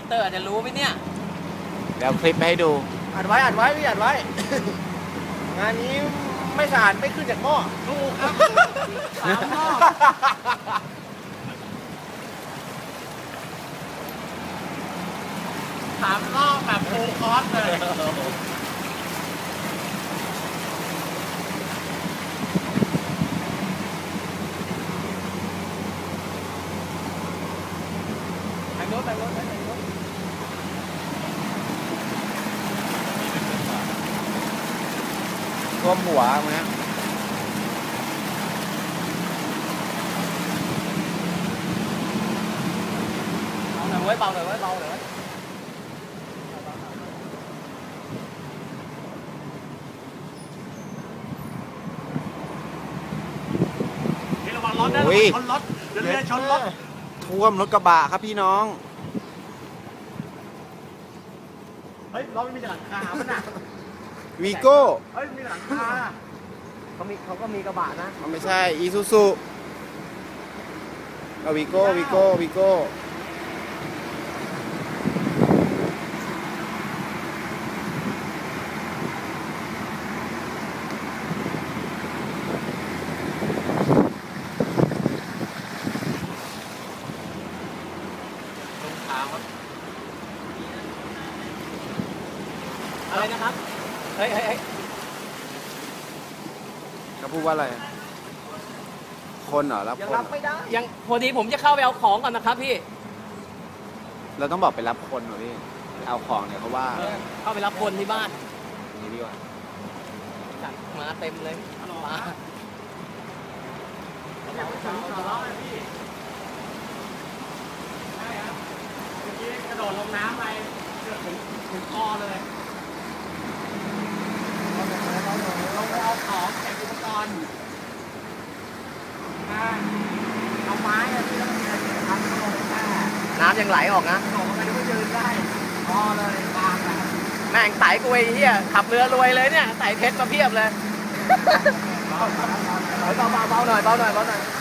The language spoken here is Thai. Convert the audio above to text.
เตอร์อาจจะรู้ไหมเนี่ยเดี๋ยวคลิปไปให้ดูอัดไว้พี่อัดไว้ งานนี้ไม่สะอาดไม่ขึ้นจากหม้อถูกครับ3 หม้อ3 รอบแบบโฟคอร์สเลยแต่งรถท่วมหัวมั้ยเบาหน่อยไว้ระวังรถนะชนรถเดี๋ยวเรือชนรถท่วมรถกระบะครับพี่น้องเฮ้ยรถมีหลังคาป่ะน่ะวีโก้เฮ้ยมีหลังคาเขาก็มีกระบะนะมันไม่ใช่อีซูซูเอาวีโก้อะไรนะครับเฮ้ยเขาพูดว่าอะไรคนเหรอรับคนไม่ได้ยังพอดีผมจะเข้าไปเอาของก่อนนะครับพี่เราต้องบอกไปรับคนเหรอพี่เอาของเนี่ยเขาว่าเข้าไปรับคนที่บ้านนี่ดีกว่าจัดมาเต็มเลยมากระโดดลงน้ำไปเกือบถึงคอเลยลงไปเอาของเก็บอุปกรณ์เอาไม้ที่เรามีอะไรทำลงไปน้ำยังไหลออกนะลงไปก็ยืนได้พอเลยบางแบบแม่งไต่กูไอ้เหี้ยขับเรือรวยเลยเนี่ยไต่เพชรมาเพียบเลยเบาหน่อย